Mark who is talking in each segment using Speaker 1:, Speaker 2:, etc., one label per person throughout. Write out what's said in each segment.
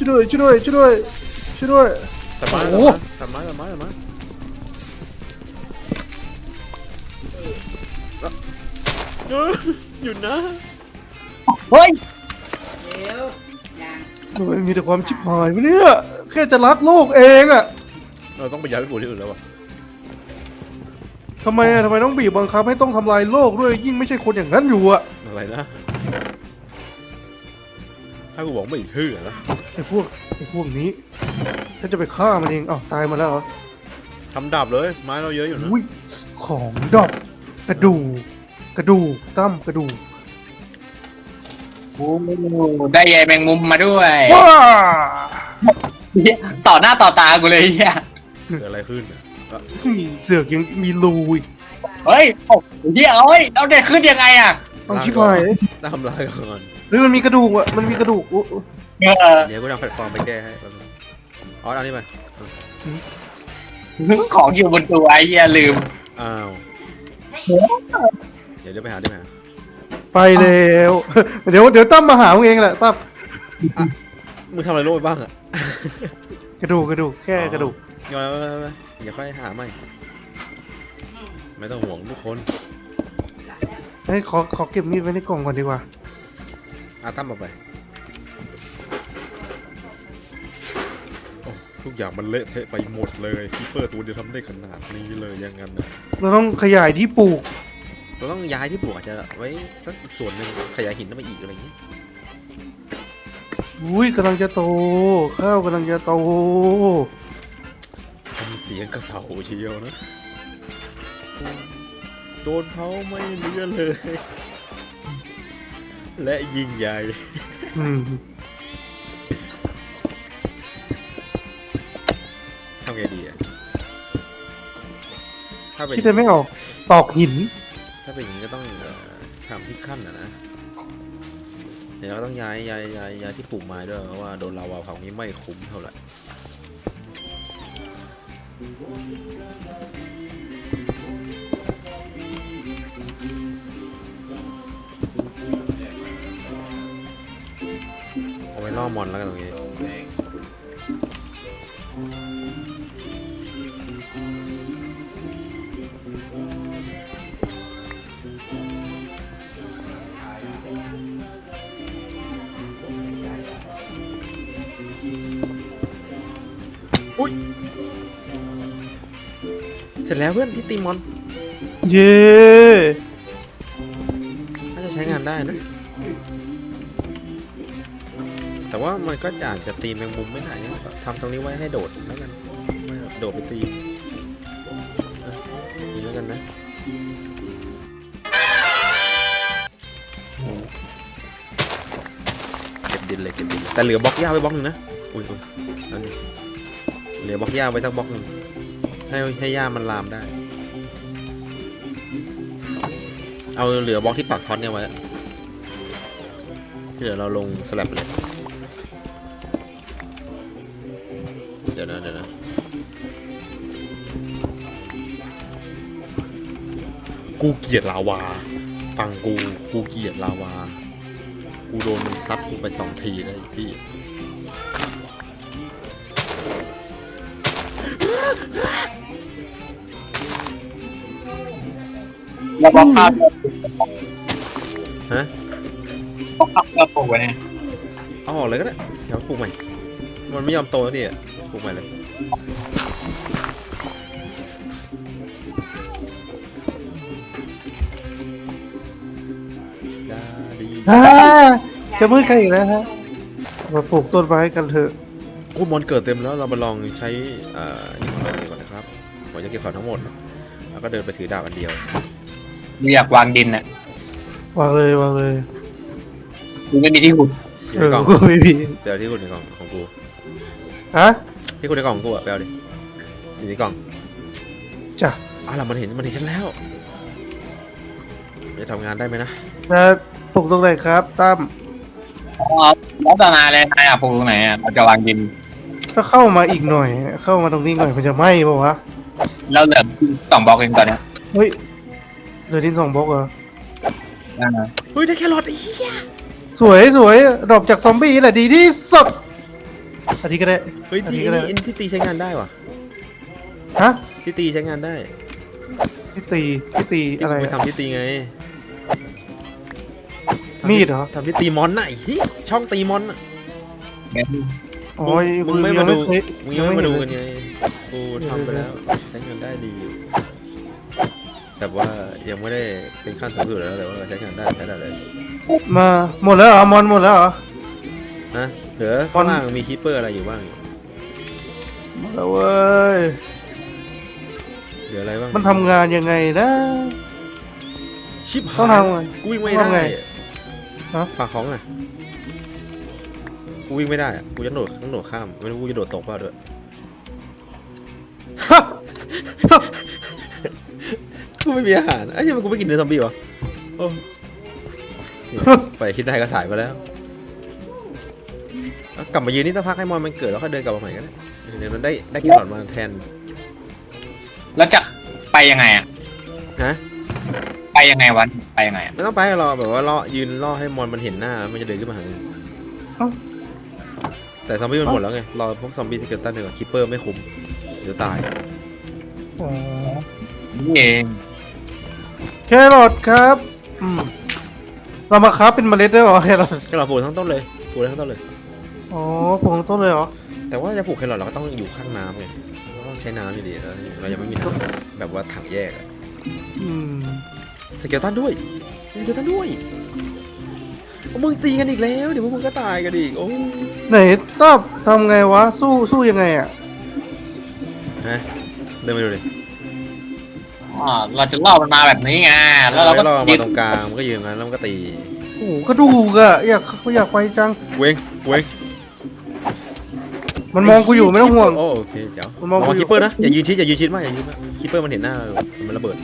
Speaker 1: ช่วยด้วยช่วยด้วยช่วยด้วยช่วยด้วย
Speaker 2: ตัดไม้
Speaker 1: โอ้
Speaker 2: ตัดไม้ตัดไม้ตัดไม้หยุดนะ
Speaker 3: เฮ้ย
Speaker 1: ทำไมมีแต่ความชิบหายวะเนี่ยแค่จะรักโลกเองอะ
Speaker 2: เราต้องไปย้ายไปปลูกที่อื่นแล้ววะ
Speaker 1: ทำไมต้องบีบบังคับให้ต้องทำลายโลกด้วยยิ่งไม่ใช่คนอย่างนั้นอยู่อะ
Speaker 2: อะไรนะถ้ากูบอกไม่เชื่อนะ
Speaker 1: ไอ้พวกนี้ฉันจะไปฆ่ามันเองอ้าวตายมาแล้วเหรอ
Speaker 2: ทำดาบเลยไม้เราเยอะอยู่นะ
Speaker 1: อุ้ยของดอกกระดูกตั้มกระดูก
Speaker 3: โอ้ได้ใยแมงมุมมาด้วย
Speaker 1: ว้า
Speaker 3: เหี้ยต่อหน้าต่อตากูเลยเฮีย
Speaker 2: เกิดอะไรขึ้นอ่ะ
Speaker 1: เสือกยังมีรูอีก
Speaker 3: เฮ้ยโอ้เฮียเอ้ยเราจะขึ้นยังไงอ่ะ
Speaker 1: ต้องชิบหาย
Speaker 2: ทำลายก่อน
Speaker 1: เฮ้ยมันมีกระดูกอะมันมีกระดูกโอ้
Speaker 3: เออ
Speaker 2: เดี๋ยวกูทำแพลตฟอร์มไปแก้ให้แป๊บนึงอ๋อเอานี่ไป
Speaker 3: ของอยู่บนตัวไอ้เฮียลืม
Speaker 2: อ้าวเดี๋ยวไปหาไปหา
Speaker 1: ไปแล้ว เดี๋ยวตั้มมาหาเองแหละตั้ม
Speaker 2: มึงทำอะไรโลกไปบ้างอะ
Speaker 1: กระดูกแค่กระดูก
Speaker 2: ย้อนไปอย่าค่อยหาใหม่ไม่ต้องห่วงทุกคน
Speaker 1: เฮ้ยขอเก็บมีดไว้ในกล่องก่อนดีกว่า
Speaker 2: ตั้มเอาไปโอ้ทุกอย่างมันเละเทะไปหมดเลยคีเปอร์ตัวเดียวทำได้ขนาดนี้เลยยังงั้นนะ
Speaker 1: เราต้องขยายที่ปลูก
Speaker 2: เราต้องย้ายที่ปลูกอาจจะไว้สักอีกส่วนหนึ่งขยายหินขึ้นมาอีกอะไรอย่างนี้
Speaker 1: อุ้ยกำลังจะโตข้าวกำลังจะโต
Speaker 2: ทำเสียงกระเสาเชียวนะโดนเผาไม่เหลือเลย และยิ่งใหญ่
Speaker 1: อืม
Speaker 2: ทำไงดีอะถ้าเป็น
Speaker 1: คิดจะไม่ออกตอกหิน
Speaker 2: ถ้าเป็นอย่างนี้ก็ต้องทำที่ขั้นนะเดี๋ยวเราต้องย้ายที่ปลูกไม้ด้วยเพราะว่าโดนลาวาเผานี้ไม่คุ้มเท่าไหร่เอาไว้ล่อมอนแล้วกันตรงนี้อุ้ยเสร็จแล้วเพื่อนที่ตีมอน
Speaker 1: เย้
Speaker 2: น่าจะใช้งานได้นะ แต่ว่ามันก็อาจจะตีแมงมุมไม่ได้นะทำตรงนี้ไว้ให้โดดแล้วกันไม่โดดไปตีนี่แล้วกันนะเก็บดินเลยแต่เหลือบล็อกหญ้าไว้บล็อกหนึ่งนะอุ้ยนั่นเหลือบล็อกหญ้าไว้สักบล็อกหนึ่งให้หญ้ามันลามได้เอาเหลือบล็อกที่ปักท็อตเนี่ยไว้ที่เหลือเราลงสลับไปเลยเดี๋ยวนะกูเกลียดลาวาฟังกูเกลียดลาวากูโดนมันซัดกูไป2 ทีเลยพี่
Speaker 3: แล้วบอกข้าว
Speaker 2: ฮะ
Speaker 3: บอกข้าวเราปลูกไว้เนี่ย
Speaker 2: เอาออกเลยก็ได้เดี๋ยวปลูกใหม่มันไม่ยอมโตแล้วดิปลูกใหม่เลยดาดี
Speaker 1: จะมืดใครอีกแล้วฮะมาปลูกต้นไม้กันเถอะ
Speaker 2: โอ้มอนเกิดเต็มแล้วเรามาลองใช้นี่ของเราดีก่อนนะครับผมจะเก็บของทั้งหมดแล้วก็เดินไปถือดาบอันเดียว
Speaker 3: กูอยากวางดินอ่ะ
Speaker 1: วางเลย
Speaker 3: กูไม่มีที่ขุด
Speaker 2: อยู่ในกล่อง
Speaker 1: กูไม่มี
Speaker 2: เดี๋ยวที่คุณในกล่องของกู
Speaker 1: ฮะ
Speaker 2: ที่คุณในกล่องของกูอะไปเอาดิอยู่ในกล่อง
Speaker 1: จ้ะ
Speaker 2: ล่ะมันเห็นฉันแล้วจะทำงานได้ไหมนะ
Speaker 1: แล้วปลูกตรงไหนครับตั้ม
Speaker 3: แล้วตนาเลยนายอ่ะปลูกตรงไหนอ่ะเราจะวางดิน
Speaker 1: ถ้าเข้ามาอีกหน่อย เข้ามาตรงนี้หน่อยมันจะไหม้ป่าวะ
Speaker 3: แล้วเหลือ2 บล็อกเองตอนเนี้ย
Speaker 1: เฮ้ยเหลือที่2 บล็อกเหรอ
Speaker 2: เฮ้ยได้แครอทไอ้เหี้ย
Speaker 1: สวยดรอปจากซอมบี้แหละดีที่สุดอาทิตย์ก็ได้
Speaker 2: เฮ้ย
Speaker 1: อา
Speaker 2: ที่
Speaker 1: ทิตย์ก็ได้
Speaker 2: นี่ที่ตีใช้งานได้ว่ะ
Speaker 1: ฮะ
Speaker 2: ที่ตีใช้งานได้
Speaker 1: ที่ตีอะไร
Speaker 2: ไป
Speaker 1: อะ
Speaker 2: ทำที่ตีไง
Speaker 1: มีดเหรอ
Speaker 2: ทำที่ตีมอนน่ะไอ้เหี้ยช่องตีมอนน่ะ
Speaker 1: อ๋อ
Speaker 2: มึงไม่มาดู มึงยังไม่มาดู
Speaker 1: เห็
Speaker 2: กัน
Speaker 1: เลย
Speaker 2: ไงกูทำไปแล้วใช้งานได้ดีอยู่แต่ว่ายังไม่ได้เป็นขั้นสูงสุดแล้วแต่ว่าใช้งานได้ใช้ได้เลย
Speaker 1: มาหมดแล้วเหรอมอนหมดแล้วเหรอ
Speaker 2: ฮะเหลือข้างล่างมีคีปเปอร์อะไรอยู่บ้าง
Speaker 1: หมดแล้วเว้ย
Speaker 2: เหลืออะไรบ้าง
Speaker 1: มันทำงานยังไงนะ
Speaker 2: ชิบ
Speaker 1: ต้อง
Speaker 2: หาย
Speaker 1: ทำไง
Speaker 2: กูวิ่งไม่
Speaker 1: ต้อง
Speaker 2: ได้
Speaker 1: ทำไงฮะ
Speaker 2: ฝากของอ่ะกูวิ่งไม่ได้อะกูจะต้องโดดข้ามไม่รู้กูจะโดดตกเปล่าด้วย กูไม่มีอาหารไอ้ยังกูไม่กินเนื้อซอมบี้วะโอ้เนี่ยไปคิดได้ก็สายไปแล้วเอากลับมายืนนี่สักพักให้มอนมันเกิดแล้วค่อยเดินกลับมาใหม่ก็ได้เดี๋ยวมันได้แครอทมาแทน
Speaker 3: แล้วจะไปยังไงอ่ะ
Speaker 2: ฮะ
Speaker 3: ไปยังไงวันไปยังไงอ่ะ
Speaker 2: ไม่ต้องไปรอแบบว่ารอยืนรอให้มอนมันเห็นหน้ามันจะเดินขึ้นมาหามึง
Speaker 1: เอ้า
Speaker 2: แต่ซอมบี้มันหมดแล้วไงรอพวกซอมบี้ที่เกิดตั้งเดียวกับคิปเปอร์ไม่คุ้มเดี๋ยวตาย
Speaker 1: อ๋อ
Speaker 3: นี่เอง
Speaker 1: แครอทครับเรามาค้าเป็นเมล็ดได้เหรอแครอท
Speaker 2: แครอทปลูกทั้งต้นเลยปลูกได้ทั้งต้นเลย
Speaker 1: อ๋อปลูกต้นเลยเหรอ
Speaker 2: แต่ว่าจะปลูกแครอทเราก็ต้องอยู่ข้างน้ำไงเราต้องใช้น้ำอยู่ดีแล้วเรายังไม่มีน้ำแบบว่าถังแยกอะ
Speaker 1: อืม
Speaker 2: สเกลตันด้วยสเกลตันด้วยโอ้มึงตีกันอีกแล้วเดี๋ยวพวกมึงก็ตายกันอีกโอ้
Speaker 1: ไหนต้าทำไงวะสู้ยังไงอ่ะ
Speaker 2: ฮะเดินไปดูดิ
Speaker 3: เราจะล่อมันมาแบบนี้ไงแล้วเราก็
Speaker 2: ล่อ
Speaker 3: ยื
Speaker 2: มาน ตรงกลางมันก็ยืนงั้นแล้วมันก็ตี
Speaker 1: โอ้โหกระดูกอะอยากไปจัง
Speaker 2: เว้ง
Speaker 1: มันมองกูอยู่ไม่ต้องห่วง
Speaker 2: โอเคเจ้า
Speaker 1: มันมองกูอยู่
Speaker 2: คิปเปอร์นะอย่ายืนชิดมากคิปเปอร์มันเห็นหน้าเรามันระเบิด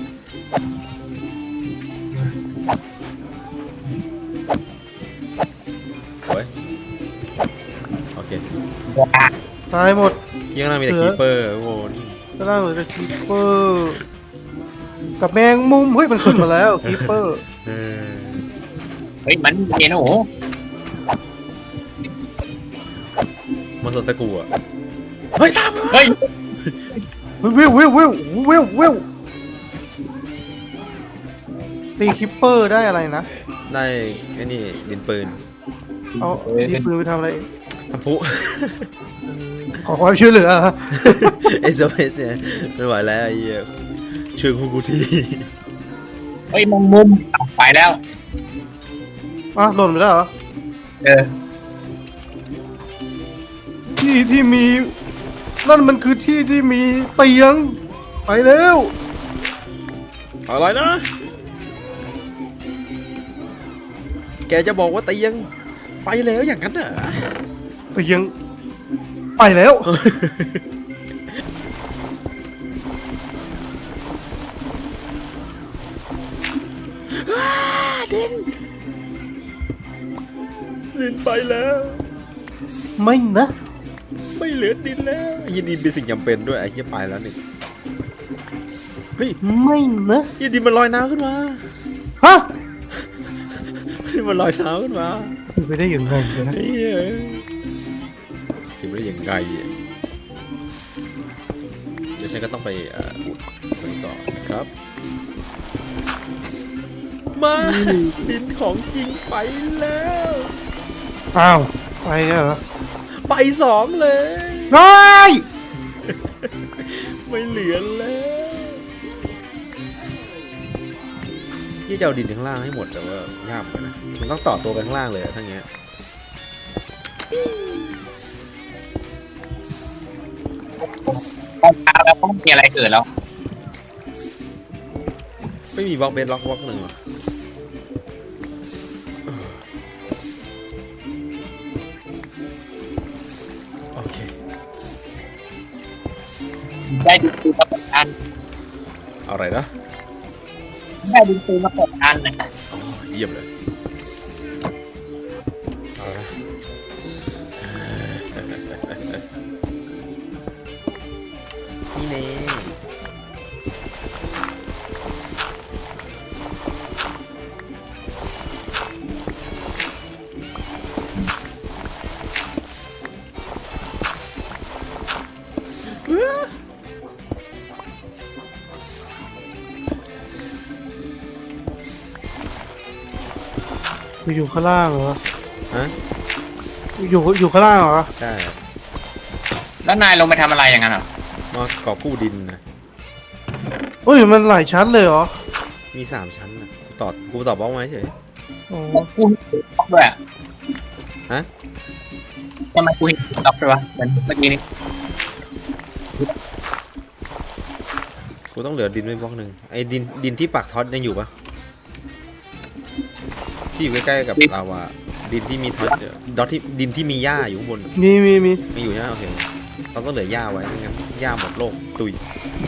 Speaker 2: โอ้ยโอเค
Speaker 1: ตายหมด
Speaker 2: ที่ข้างหน้ามีแต่คิปเปอร์โอ้โหนี่
Speaker 1: ก็ได้เหมือนกับคีเปอร์กับแมงมุมเฮ้ยมันขึ้นมาแล้วคีเปอร์
Speaker 2: เออ
Speaker 3: เฮ้ยมันเย็นโอ้โห
Speaker 2: มันสนตะกูอ่ะเฮ้ยตาม
Speaker 3: เฮ้ย
Speaker 1: วิวตีคิปเปอร์ได้อะไรนะ
Speaker 2: ได้ไอ้นี่ดินปืน
Speaker 1: เอาดีปืนไปทำอะไร
Speaker 2: ทำพุ
Speaker 1: ขอความช่วยเหลือ
Speaker 2: SOS เนี่ยไม่ไหวแล้วไอ้เหี้ยช่วยกูที
Speaker 3: เฮ้ยมุมไปแล้ว
Speaker 1: อ่ะหล่นไปแล้วเหรอ
Speaker 3: เออ
Speaker 1: ที่มีนั่นมันคือที่มีเตียงไปแล้ว
Speaker 2: อะไรนะ แกจะบอกว่าเตียงไปแล้วอย่างนั้นเหรอ
Speaker 1: เตียงไปแล้ว
Speaker 2: ดินไปแล้ว
Speaker 1: ไม่นะ
Speaker 2: ไม่เหลือดินแล้วไอ้ดินเป็นสิ่งจำเป็นด้วยไอ้เหี้ยไปแล้วนี่เฮ้ย
Speaker 1: ไม่นะ
Speaker 2: ไอ้ดินมันลอยน้ำขึ้นมา
Speaker 1: ฮะ
Speaker 2: มันลอยน้ำขึ้นมา
Speaker 1: เป็นไปได้ยังไงนะ
Speaker 2: ไอ้เหี้ยคิดไม่ได้ยังไงอ่ะเดี๋ยวฉันก็ต้องไปอุดมันต่อนะครับมาดินของจริงไปแล้ว
Speaker 1: อ้าวไปแล้วเหรอ
Speaker 2: ไปสองเลย
Speaker 1: ได้
Speaker 2: ไม่เหลือแล้วที่จะเอาดินข้างล่างให้หมดแต่ว่ายากเหมือนกันนะมันต้องต่อตัวกันข้างล่างเลยอะทั้งเงี้ย
Speaker 3: ตอนเช้าแล้วก็ไม่มีอะไรเกิดแล้ว
Speaker 2: ไม่มีบล็อกเบสล็อกบล็อกหนึ่งหรอโอเค
Speaker 3: ได้ดินปืนมา8 อัน
Speaker 2: อะไรนะ
Speaker 3: ได้ดินปืนมา8 อันนะ
Speaker 2: อ๋อเยี่ยมเลยเอาละนี่เน่
Speaker 1: อยู่ข้างล่างเหรอ
Speaker 2: ฮะ
Speaker 1: อยู่ข้างล่างเหรอ
Speaker 2: ใช่
Speaker 3: แล้วนายลงไปทำอะไรอย่างนั้นเหรอ
Speaker 2: มากอบกู้ดินนะ
Speaker 1: เฮ้ยมันหลายชั้นเลยเหรอ
Speaker 2: มี3 ชั้นนะกูตอบบล็อกมาเฉย
Speaker 1: อ๋อ
Speaker 3: กูเห็นด็อกด้วยอะ
Speaker 2: ฮะ
Speaker 3: ทำไมกูเห็นด็อกด้วยวะเหมือนเมื่อกี้นี้
Speaker 2: กูต้องเหลือดินไว้บล็อกหนึ่งไอ้ดินที่ปักท็อตยังอยู่ปะที่อยู่ใกล้ๆกับลาวาดินที่มีท็อตดอทที่ดินที่มีหญ้าอยู่ข้างบน
Speaker 1: มี
Speaker 2: มีอยู่ใช่ไหมโอเคเราต้องเหลือหญ้าไว้ไม่งั้นหญ้าหมดโลกตุย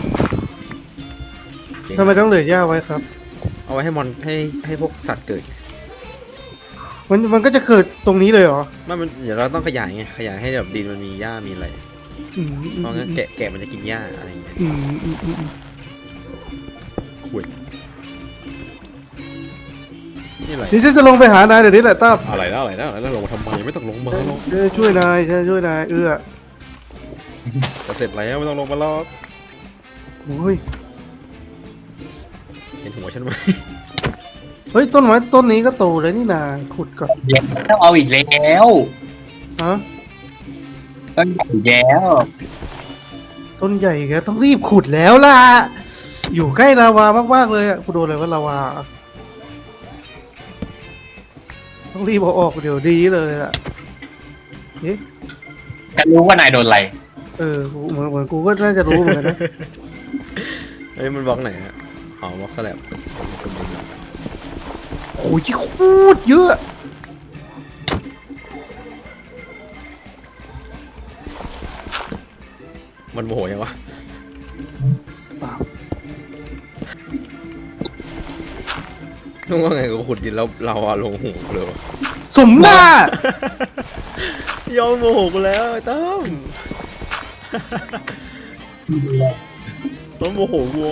Speaker 1: ทำไมต้องเหลือหญ้าไว้ครับ
Speaker 2: เอาไว้ให้ให้พวกสัตว์เกิด
Speaker 1: มันก็จะเกิดตรงนี้เลยเหรอ
Speaker 2: มันเดี๋ยวเราต้องขยายไงขยายให้แบบดินมันมีหญ้ามีอะไร
Speaker 1: อืม
Speaker 2: เพราะงั้นแกะมันจะกินหญ้าอะไรอย่างเงี้ย
Speaker 1: อืม
Speaker 2: คุยนี่อะไร
Speaker 1: นี่ฉันจะลงไปหานายเดี๋ยวนี้แหละตั้ม
Speaker 2: อะไรลงมาทำไมไม่ต้องลงมาลง
Speaker 1: ช่วยนายช่วยนาย
Speaker 2: จะเสร็จแล้วไม่ต้องลงมาหรอก
Speaker 1: โอ้ย
Speaker 2: เห็นหัวฉันไหม
Speaker 1: เฮ้ยต้นไม้ต้นนี้ก็โตเลยนี่นาขุดก่อน
Speaker 3: ต้องเอาอีกแล้ว
Speaker 1: ฮะ
Speaker 3: ต้องอีกแล้ว
Speaker 1: ต้นใหญ่แกต้องรีบขุดแล้วล่ะอยู่ใกล้ลาวามากๆเลยอ่ะกูโดนอะไรว่าลาวาต้องรีบเอาออกเดี๋ยวดีเลยล่ะเอ๊ะ
Speaker 3: กันรู้ว่านายโดนอะไร
Speaker 1: เหมือนกูก็น่าจะรู้เหมือนกันนะ
Speaker 2: เฮ้ยมันบล็อกไหนอะอ๋อบล็อกสแลบ
Speaker 1: โอ้ยโคตรเยอะ
Speaker 2: มันโมโหยังวะ
Speaker 1: เปล่า
Speaker 2: นึกว่าไงกูขุดดินแล้วเราอะลงหูเลยวะ
Speaker 1: สมหน้าย
Speaker 2: อมโมโหกูแล้วไอ้ตั้มต้องโมโหกู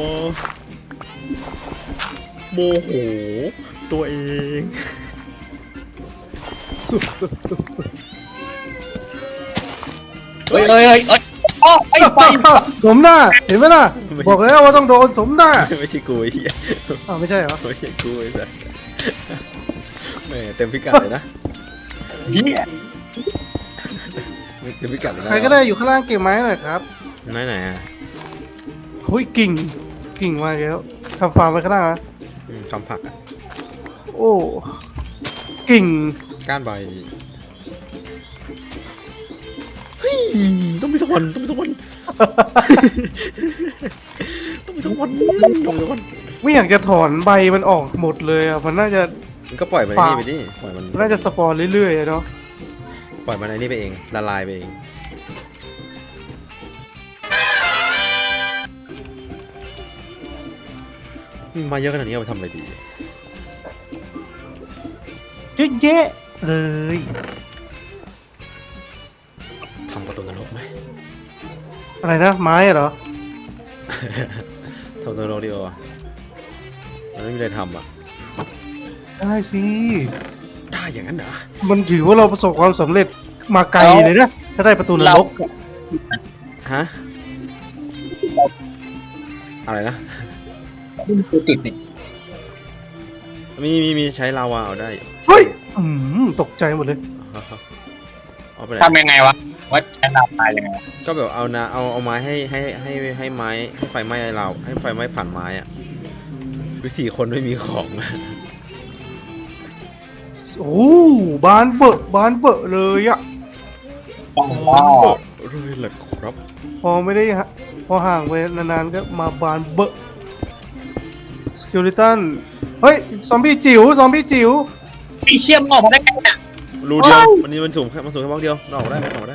Speaker 2: โมโหตัวเอง
Speaker 3: เฮ้ยโอ้ไอ้ไฟ
Speaker 1: สมหน้าเห็นไหมล่ะบอกแล้วว่าต้องโดนสมหน้า
Speaker 2: ไม่ใช่กูไอ้เหี้ย
Speaker 1: อ้าวไม่ใช่เหรอ
Speaker 2: ไม่ใช่กูไอ้สัสแหม่เต็มพิกัดเลยนะ
Speaker 3: เฮีย
Speaker 2: เต็มพิกัดเลยนะ
Speaker 1: ใครก็ได้อยู่ข้างล่างเก็บไม้หน่อยครับ
Speaker 2: ไหนอะ
Speaker 1: เฮ้ยกิ่งมาแล้วทำฟาร์มไว้ข้างล่างนะ
Speaker 2: ทำผักอะ
Speaker 1: โอ้กิ่ง
Speaker 2: ก้านใบเฮ้ยต้องมีสักวันต้องมีสักวัน ต้องมีสักวัน
Speaker 1: ไม่อยากจะถอนใบมันออกหมดเลยอ่ะมันน่าจะ
Speaker 2: มันก็ปล่อยมันไอ้นี่ไปดิปล่อยมัน
Speaker 1: น่าจะสปอนเรื่อยๆอะเนาะ
Speaker 2: ปล่อยมันไอ้นี่ไปเองละลายไปเองมาเยอะขนาดนี้เอาไปทำอะไรดี
Speaker 1: เยอะแยะเลย
Speaker 2: ทำประตูนรกไหม
Speaker 1: อะไรนะไม้อะเหรอ
Speaker 2: ทำประตูนรกดีกว่ามันไม่มีอะไรทำอ่ะ
Speaker 1: ได้สิ
Speaker 2: ได้อย่างนั้นเหรอ
Speaker 1: มันถือว่าเราประสบความสำเร็จมาไกลเลยนะถ้าได้ประตูนรก
Speaker 2: ฮะอะไรนะ
Speaker 3: คือติดนี่
Speaker 2: มีใช้ลาวาเอาได้
Speaker 1: เฮ้ยตกใจหมดเลย
Speaker 2: เอาไปไหน
Speaker 3: ทำยังไงวะว่าใช้ดาวตายยังไง
Speaker 2: ก็แบบเอาไม้ให้ไม้ให้ไฟไหม้เราให้ไฟไหม้ผ่านไม้อะวิธีคนไม่มีของ
Speaker 1: โอ้บานเบอะเลยอะ
Speaker 3: ว้าว
Speaker 2: เลยแหละครับ
Speaker 1: พอไม่ได้พอห่างไปนานๆก็มาบานเบอะสกิลิตันเฮ้ยซอมบี้จิ๋ว
Speaker 3: ไอ้เชี่ยมออกมาได้ไงเนี่ย
Speaker 2: รูเดียววันนี้มันสูงแค่บล็อกเดียวเราออกได้ไหมออกได้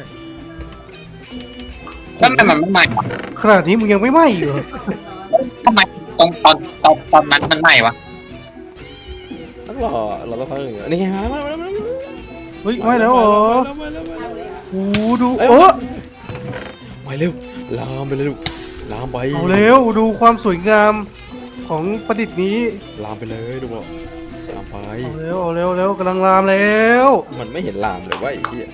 Speaker 3: แล้วทำไมมันไม่ใหม่วะ
Speaker 1: ขนาดนี้มึงยังไม่ไหม้อยู่เหรอ
Speaker 3: ทำไมตอนนั้นมันใหม่วะ
Speaker 2: ต้องรอเราต้องพักหนึ่งนี่ไงมา
Speaker 1: เฮ้ยไหม้แล้วเหรอโอ้ดู
Speaker 2: ไปเร็วลามไปเลยลูกลามไป
Speaker 1: เอาเร็วดูความสวยงามของประดิษฐ์นี้
Speaker 2: ลามไปเลยดูบอกลามไป
Speaker 1: เอาเร็วกำลังลามแล้ว
Speaker 2: มันไม่เห็นลามเลยว่าไอ้เหี้ย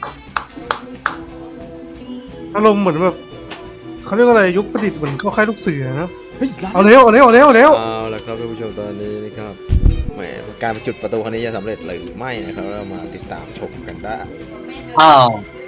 Speaker 1: อารมณ์เหมือนแบบเขาเรียกว่าอะไรยุคประดิษฐ์เหมือนเข้าค่ายลูกเสือนะ
Speaker 2: เฮ้ยลาม
Speaker 1: เอาเร็ว
Speaker 2: เอาละครับท่านผู้ชมตอนนี้นะครับมหมการจุดประตูครั้งนี้จะสำเร็จหรือไม่นะครับเรามาติดตามชมกันได้
Speaker 3: อ้าว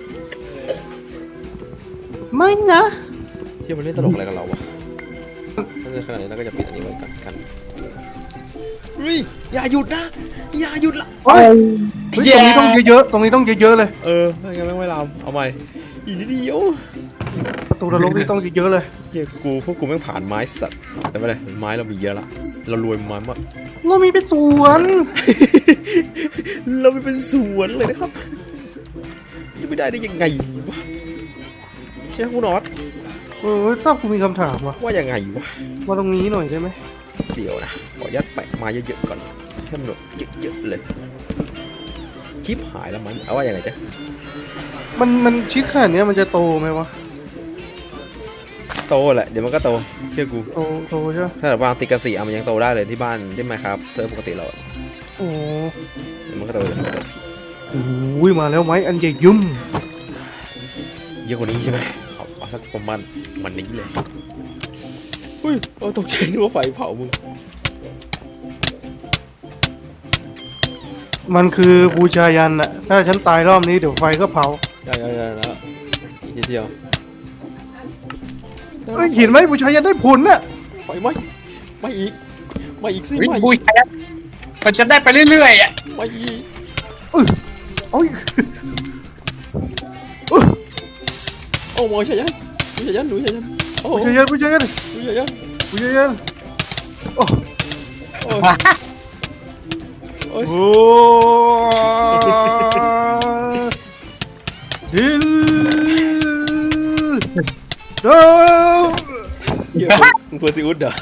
Speaker 1: ไม่นะ
Speaker 2: เชื่อมันเล่นตลกอะไรกับเราวะในขณะนี้เราก็จะปิดอันนี้ไว้กันเฮ้ยอย่าหยุดนะอย่าหยุดละ
Speaker 1: เฮ้ยตรงนี้ต้องเยอะๆตรงนี้ต้องเยอะๆเลย
Speaker 2: ไม่งั้นไม่ลามเอาใหม่อีกนิดเดียว
Speaker 1: ประตูนรกนี่ต้องเยอะๆเลย
Speaker 2: เฮียพวกกูไม่ผ่านไม้สัตว์แต่ไม่เป็นไรไม้เรามีเยอะละเรารวยไม้มาก
Speaker 1: เรามีเป็นสวน
Speaker 2: เราไม่เป็นสวนเลยนะครับจะไม่ได้ยังไงวะใช่คุณน็อต
Speaker 1: ถ้ากูมีคำถามวะ
Speaker 2: ว่ายังไงวะ
Speaker 1: มาตรงนี้หน่อยใช่ไหม
Speaker 2: เดี๋ยวนะขอยัดแปะมาเยอะๆก่อนให้มันแบบเยอะๆเลยชิปหายแล้วมันเอาว่ายังไงจ๊ะ
Speaker 1: มันชิดขนาดนี้มันจะโตไหมวะ
Speaker 2: โตแหละเดี๋ยวมันก็โตเชื่อกู
Speaker 1: โตใช่ไหม
Speaker 2: ถ้าแบบวางติดกระสีมันยังโตได้เลยที่บ้านได้ไหมครับเติมปกติเรา
Speaker 1: โอ้
Speaker 2: เดี๋ยวมันก็โตอย่างนี้
Speaker 1: โหมาแล้วไหมอันใหญ่ยุ่ม
Speaker 2: เยอะกว่านี้ใช่ไหมเอาสักประมาณมันนี้เลยอุ้ยตกใจนึกว่าไฟเผามึง
Speaker 1: มันคือบูชายันอะถ้าฉันตายรอบนี้เดี๋ยวไฟก็เผา
Speaker 2: ได้แล้วอีกนิดเดียว
Speaker 1: เห็นไหมบูชายันได้ผลน่ะ
Speaker 2: ไฟไหมไม่อีกสิ
Speaker 3: วิ
Speaker 2: ไม่
Speaker 3: บูชายันมันจะได้ไปเรื่อยๆอ่ะ
Speaker 2: ไม่อีก
Speaker 1: โอ้ย
Speaker 2: โอ้โหใช่ยันหนูใช่ยันโอ้
Speaker 1: บูชายันบูชายัน
Speaker 2: หนูใช่ยัน
Speaker 1: บูชายันโอ้
Speaker 2: โอ้
Speaker 1: โหฮิลโด
Speaker 2: เฮียมึงเพอร์ซิอุสเหรอ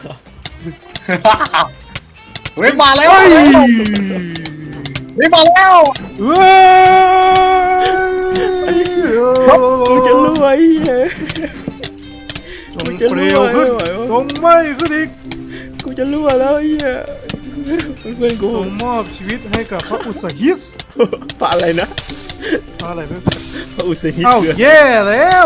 Speaker 3: เฮ้ยมาแล้ว
Speaker 1: เฮ้ย
Speaker 3: เฮ้ยมาแล้ว
Speaker 1: เว้ย
Speaker 2: กูจะรวยเฮ้ย
Speaker 1: จงเปลวขึ้นจงไหม้ขึ้นอีก
Speaker 2: กูจะรวยแล้วเฮียเพื่อนกู
Speaker 1: จงมอบชีวิตให้กับพระอุษหิส
Speaker 2: พระอะไรนะ
Speaker 1: พระอะไรไม่
Speaker 2: พระอุษหิ
Speaker 1: เอ้า
Speaker 2: คือ
Speaker 1: แย่แล้ว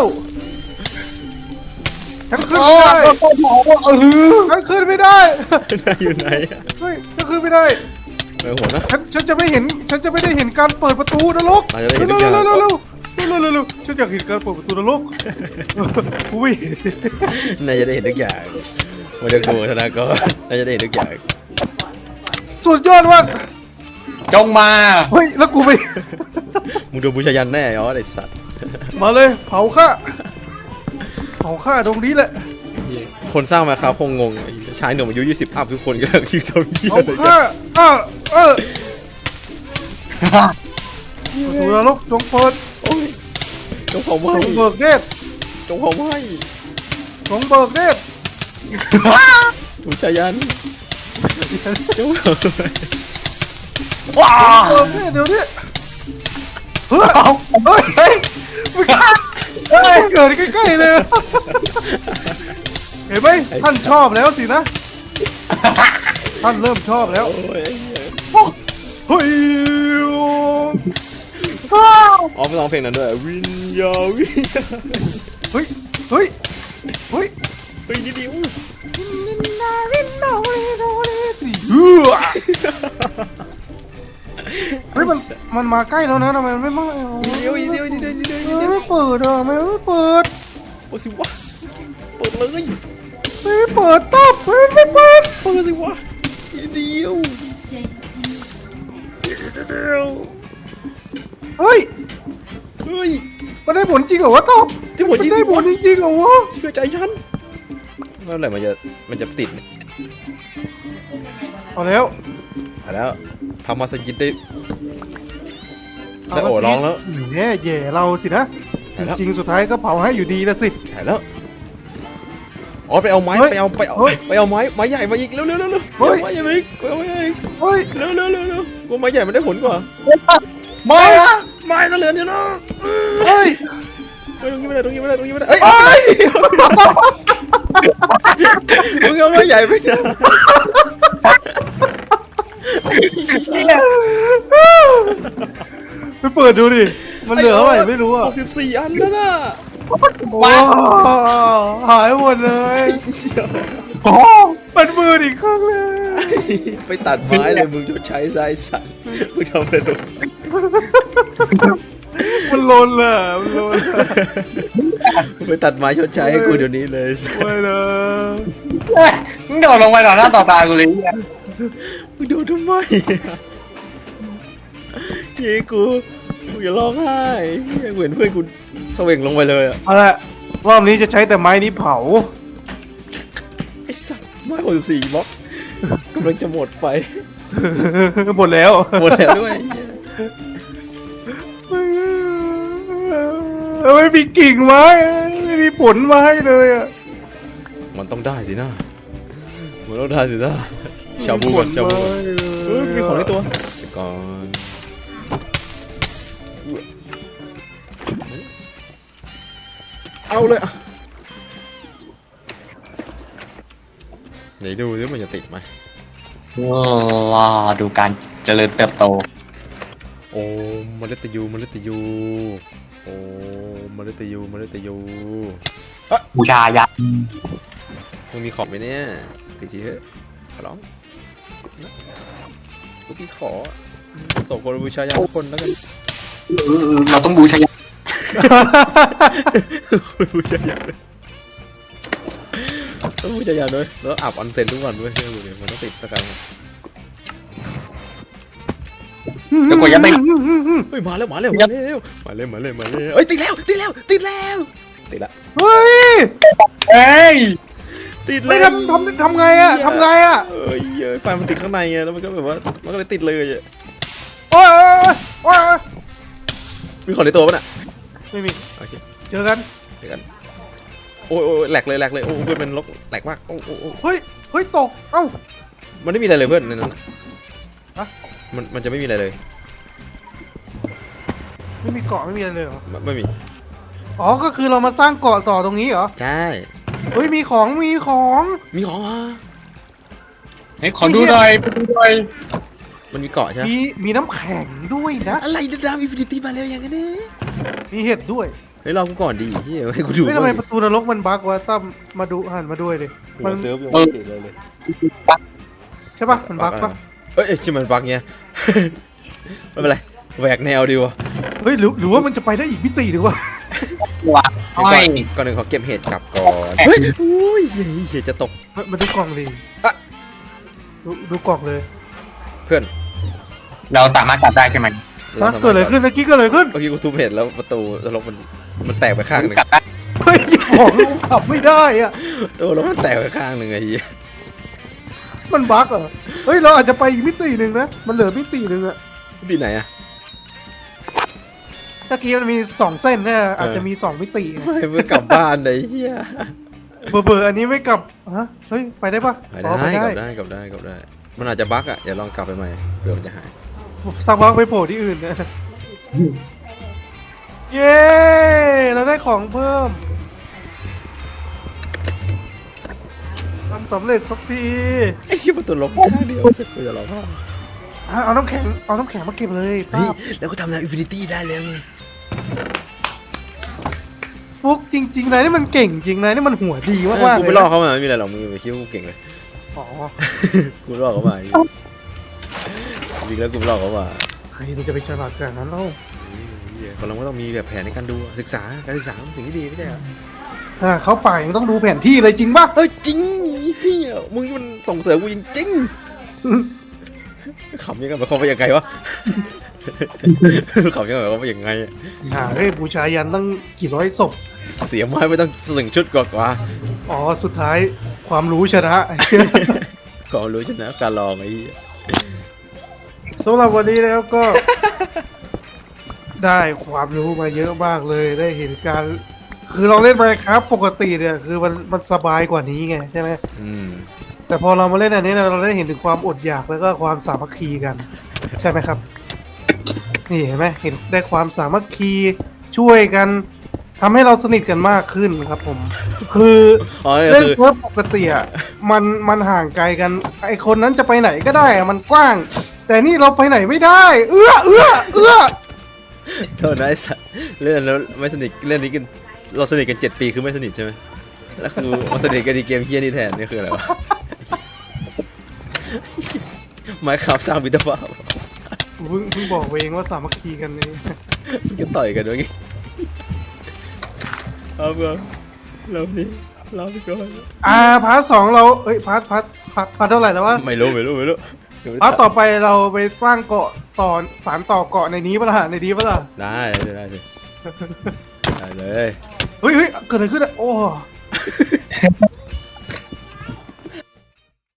Speaker 1: ฉันขึ้น
Speaker 3: โอ้
Speaker 1: ไม่ได้
Speaker 3: โห
Speaker 1: ฉันขึ้นไม่ได้
Speaker 2: นายอยู่ไหนอะ
Speaker 1: เฮ้ยฉันขึ้นไม่ได้
Speaker 2: ไปหัวนะ
Speaker 1: ฉันจะไม่เห็น ฉันจะไม่ได้เห็นการเปิดประตูนรก
Speaker 2: อาจจะได้เห็
Speaker 1: เร็
Speaker 2: น
Speaker 1: ว
Speaker 2: ทุกอย่าง
Speaker 1: เร็วเร็วเร็วเร็วฉันอยากเห็นการเปิดประตูนรกอุ้ย
Speaker 2: นายจะได้เห็นทุกอย่างวันเดอร์โกธนากรนายจะได้เห็นทุกอย่าง
Speaker 1: สุดยอดมาก
Speaker 3: จงมา
Speaker 1: เฮ้ยแล้วกูไป
Speaker 2: มึงโดนบูชายันแน่ยอไอ้สัตว์
Speaker 1: มาเลยเผาข้าเผาข้าตรงนี้แหละ
Speaker 2: คนสร้างมาครับคงงงไอ้ชายหนุ่มอายุ20 อัพทุกคนก็ยืนทำเหี้ย
Speaker 1: เผา
Speaker 2: เลย
Speaker 1: ข้าประตูนรกจงเปิด
Speaker 2: โอ้ยจงเผาไหม้
Speaker 1: จงเบิกเนตร
Speaker 2: จงเผาไหม้
Speaker 1: จงเบิกเนตร
Speaker 2: บูชายันจงเผาไหม้
Speaker 3: ว้า
Speaker 1: เบิกเนตรเดี๋ยวนี้เฮ้ยเฮ้ยเฮ้ยเกิดใกล้ๆเลยเห็นไหมท่านชอบแล้วสินะท่านเริ่มชอบแล้ว
Speaker 2: โอ้ย
Speaker 1: เฮ้ย
Speaker 2: อ๋อไม่ร้องเพลงนั้นด้วยวิญญาวิญญา
Speaker 1: เฮ้ยเฮ้ยเฮ้ย
Speaker 2: เฮ้ยนิดเดียว
Speaker 1: เฮ้ยมันมาใกล้แล้วนะทำไมมันไม่มา
Speaker 2: เดียว
Speaker 1: ไม่เปิดอ่ะไม่เปิด
Speaker 2: โอ้สิวะเปิดเลย
Speaker 1: ไม่เปิดตบไม่เปิด
Speaker 2: เปิดสิวะเดียว
Speaker 1: เฮ้ย
Speaker 2: เฮ้ย
Speaker 1: มันได้ผลจริงเหรอวะตบ
Speaker 2: ที่ผลจริง
Speaker 1: ได้ผลจริงเหรอวะ
Speaker 2: เชื่อใจฉันเมื่อไหร่มันจะติดเนี่ย
Speaker 1: เอาแล้ว
Speaker 2: เอาแล้วทำมาสยิดได้ได้โอ้ร้องแล้ว
Speaker 1: แย่แย่เราสินะ จริงสุดท้ายก็เผาให้อยู่ดีแล้วสิ
Speaker 2: ถ่ายแล้วอ๋อไปเอาไม้
Speaker 1: เฮ้ย
Speaker 2: ไปเอา
Speaker 1: เฮ้ย
Speaker 2: ไม้ใหญ่มาอีกเร็วไม้ใหญ่มาอีกเอาไม้ใหญ่
Speaker 1: เฮ้ย
Speaker 2: เร็วกูไม้ใหญ่มันได้ผลกว่า
Speaker 3: มาละ
Speaker 2: ไม้ก็เหลือเดียวนะ
Speaker 1: เฮ้ย
Speaker 2: ตรงนี้ไม่ได้เอ้ยมึงเอาไม้ใหญ่ไปนะ
Speaker 1: ไปเปิดดูดิ มันเหลือเท่าไหร่ไม่รู้อ่ะ
Speaker 2: 64 อันแล้วนะ
Speaker 1: ว้าวหายหมดเลย
Speaker 2: ไ
Speaker 3: โอ้
Speaker 1: มันมืดอีกครั้งเลย
Speaker 2: ไปตัดไม้เลยมึงชดใช้ไซสันมึงทำอะไรตรง
Speaker 1: มันลนล่ะมันลน
Speaker 2: ไปตัดไม้ชดใช้ให้กูเดี๋ยวนี้เลย
Speaker 1: ไม่นะ
Speaker 3: มึงโดดลงไปต่อหน้าต่อตากูเลย
Speaker 2: มึงโดนทำไมเย้กูอย่าร้องไห้เหมือนเพื่อนกูเสว่งลงไปเลยอะ
Speaker 1: เอาละรอบนี้จะใช้แต่ไม้นี้เผา
Speaker 2: ไอ้สัตว์ไม้64บล็อกกำลังจะหมดไป
Speaker 1: หมดแล้ว
Speaker 2: หมดแล้วด้วย
Speaker 1: ไม่มีกิ่งไม้ไม่มีผลไม้เลยอ่ะ
Speaker 2: มันต้องได้สินะมันต้องได้สินะชาบูก่อนชาบูก่อนมีของในตัวเดี๋ยวก่อนเอาเลยอ่ะไหนดูสิมันจะติดไหม
Speaker 3: ว้าดูการเจริญเติบโต
Speaker 2: โอ้มฤตยูมฤตยูโอ้มฤตยูมฤตยู
Speaker 3: บูชายัน
Speaker 2: มึงมีของไหมเนี่ยติดทีเถอะขอร้องนะกูพี่ขอส่งคนบูชายันทุกคนแล้วกัน
Speaker 3: เราต้องบูชายัน
Speaker 2: คนบูชายันต้องบูชายันด้วยแล้วอาบออนเซ็นทุกวันด้วยเชื่อกูดิมันต้องติดตะการ
Speaker 3: เดี๋ยวกูยังไม่
Speaker 2: เฮ้ยมาแล้วมาแล้วมาแล้วมาแล้วมาแล้วมาแล้วเฮ้ยติดแล้วติดแล้วติดแล้วติดละ
Speaker 1: เฮ้ย
Speaker 3: เฮ้ย
Speaker 2: ติด
Speaker 1: ไม่
Speaker 2: แล้ว
Speaker 1: ทำไงอ่ะทำไงอ่ะ
Speaker 2: เอ้ยไฟมันติดข้างในไงแล้วมันก็แบบว่ามันก็เลยติดเลยอะ
Speaker 1: โอ้ยโอ้ย
Speaker 2: มีของในตัวป่ะน่ะ
Speaker 1: ไม่มี
Speaker 2: โอเค
Speaker 1: เจอกัน
Speaker 2: เดี๋ยวกันโอ้ยโอ้ยแหลกเลยแหลกเลยโอ้เพื่อนเป็นลกแหลกมากโอ้โอ้โอ้
Speaker 1: เฮ้ยเฮ้ยตกเอ้า
Speaker 2: มันไม่มีอะไรเลยเพื่อนในนั้นน่ะ
Speaker 1: ฮะ
Speaker 2: มันจะไม่มีอะไรเลย
Speaker 1: ไม่มีเกาะไม่มีอะไรเลยเหรอ
Speaker 2: ไม่มี
Speaker 1: อ๋อก็คือเรามาสร้างเกาะต่อตรงนี้เหรอ
Speaker 2: ใช่
Speaker 1: เฮ้ยมีของมีของ
Speaker 2: มีของอ่ะ
Speaker 3: เฮ้ยขอดูหน่อยไปดูหน่อย
Speaker 2: มันมีเกาะใช่ไหม
Speaker 1: มีน้ำแข็งด้วยนะ
Speaker 2: อะไรดาวอินฟินิตี้มาแล้วอย่างนี้
Speaker 1: มีเห็ดด้วย
Speaker 2: เฮ้ยรอกูก่อนดิเฮ้ยให้กูดู
Speaker 1: เฮ้ยทำไมประตูนรกมันบั๊กวะตั้มมาดูหันมาด้วยดิ
Speaker 2: มั
Speaker 1: มัน น
Speaker 2: เซิร์ฟยังไม่ติดเลย
Speaker 1: ใช่ปะมันบั๊กปะ
Speaker 2: เอ้ยชิมันบักเงี้ย ไม่เป็นไรแหวกแนวดีวะ
Speaker 1: เฮ้ยหรือว่ามันจะไปได้อีกมิติหรือวะ
Speaker 3: ว่ะ
Speaker 2: ก่
Speaker 3: อ้
Speaker 2: อ
Speaker 3: อน ย
Speaker 2: ก่อนหนึ่งขอเก็บเห็ดกลับก่อนเฮ้ยอุ้ยเห็ดจะตก
Speaker 1: มาดูกล่องดิ
Speaker 2: อะ
Speaker 1: ดูกล่องเลย
Speaker 2: เพื่อน
Speaker 3: เราสามารถกลับได้ใช่ไหม
Speaker 1: ฮะเกิดอะไรขึ้นเมื่อกี้เกิดอะไรขึ้น
Speaker 2: เมื่อกี้กูทุบเห็ดแล้วประตูรกมันแตกไปข้างหนึ่ง
Speaker 3: กลับได้
Speaker 1: เฮ้ยของขับไม่ได้อะ
Speaker 2: ตัวรกมันแตกไปข้างหนึ่งไอ้เหี้ย
Speaker 1: มันบั๊กเหรอเฮ้ยเราอาจจะไปอีกมิติหนึ่งนะมันเหลือมิติหนึ่งอะ
Speaker 2: ที่ไหนอะ
Speaker 1: เมื่อกี้มันมี2เส้นเนี่ยอาจจะมี2มิติ
Speaker 2: ไม่เพื่อกลับบ้านไอ้เหี้ย
Speaker 1: เบอร์อันนี้ไม่กลับฮะเฮ้ยไปได้ปะ
Speaker 2: ไป
Speaker 1: อ๋อ
Speaker 2: ได้กลับได้กลับได้กลับได้ มันอาจจะบั๊กอะเดี๋ยวลองกลับไปใหม่เผื่อมันจะหาย
Speaker 1: สักพักไปโผล่ที่อื่นนะเย้เราได้ของเพิ่มทำสำเร็จสักที
Speaker 2: ไอ้เชี่ยประตูรกข้างเดียวเสร็จกูจะร้องไห้
Speaker 1: เอาน้ำแข็งมาเก็บเลย
Speaker 2: เฮ้ย
Speaker 1: ป้า
Speaker 2: แล้วก็ทำดาวอินฟินิตี้ได้แล้วไง
Speaker 1: ฟุกจริงๆนายนี่มันเก่งจริงนายนี่มันหัวดีมากๆ
Speaker 2: กู
Speaker 1: เล
Speaker 2: ไม่
Speaker 1: ย
Speaker 2: ลอกเขามาไม่มีอะไรหรอกมึงไปคิดว่ากูเก่งเลย
Speaker 1: อ๋อ
Speaker 2: กูลอกเขามาจริงแล้วกูไม่ลอกเขามา
Speaker 1: ใครมันจะไปฉลาดขนาดนั้นเล่า
Speaker 2: คนเราก็ต้องมีแบบแผนในการดูศึกษาการศึกษาเป็นสิ่งที่ดีไม่ใช่เหรอ
Speaker 1: เข้าป่ายังต้องดูแผนที่เลยจริงปะ
Speaker 2: เฮ้ยจริงเฮียมึงมันส่งเสริมกูจริงๆขำยังไงมันเขาไปยังไงวะขำยังไงเขาไปยังไง
Speaker 1: เฮ้ยบูชายันตั้งกี่ร้อยศพ
Speaker 2: เสียไม้ไม่ต้องสึงชุดกว่า
Speaker 1: อ๋อสุดท้ายความรู้ชนะ
Speaker 2: ก็รู้ชนะการลองไอ้
Speaker 1: สำหรับวันนี้นะครับก็ ได้ความรู้มาเยอะมากเลยได้เห็นการ คือเราเล่นไปครับปกติเนี่ยคือมันสบายกว่านี้ไงใช่ไหม แต่พอเรามาเล่นอันนี้เราได้เห็นถึงความอดอยากแล้วก็ความสามัคคีกัน ใช่ไหมครับ นี่เห็นไหมเห็นได้ความสามัคคีช่วยกันทำให้เราสนิทกันมากขึ้นครับผม คือ
Speaker 2: อ๋อ
Speaker 1: เล่น
Speaker 2: คือ
Speaker 1: เซิร์ฟปกติอ่ะมันห่างไกลกันไอคนนั้นจะไปไหนก็ได้อะมันกว้าง แต่นี่เราไปไหนไม่ได้ เอื้อ
Speaker 2: โทษนะไอ้สัสเล่นแล้วไม่สนิทเล่นนี้กันเราสนิทกัน7 ปีคือไม่สนิทใช่ไหมแล้วคือมาสนิทกันในเกมเฮี้ยนี่แทนนี่คืออะไรวะไม้ขับสร้างมิตรภาพ
Speaker 1: เพิ่งบอกเองว่าสามัคคีกันนี่
Speaker 2: มันจะต่อยกันด้วยงี้เอาเบอร์เรานี่เราไปก่อน
Speaker 1: พาร์ท 2เราเอ้ยพาร์ทเท่าไหร่แล้ววะ
Speaker 2: ไม่รู้
Speaker 1: พาร์ทต่อไปเราไปสร้างเกาะต่อสารต่อเกาะในนี้ปะล่ะในนี้ปะล่ะ
Speaker 2: ได้สิได้เลย
Speaker 1: เฮ้ยเกิดอะไรขึ้นอ่ะโอ้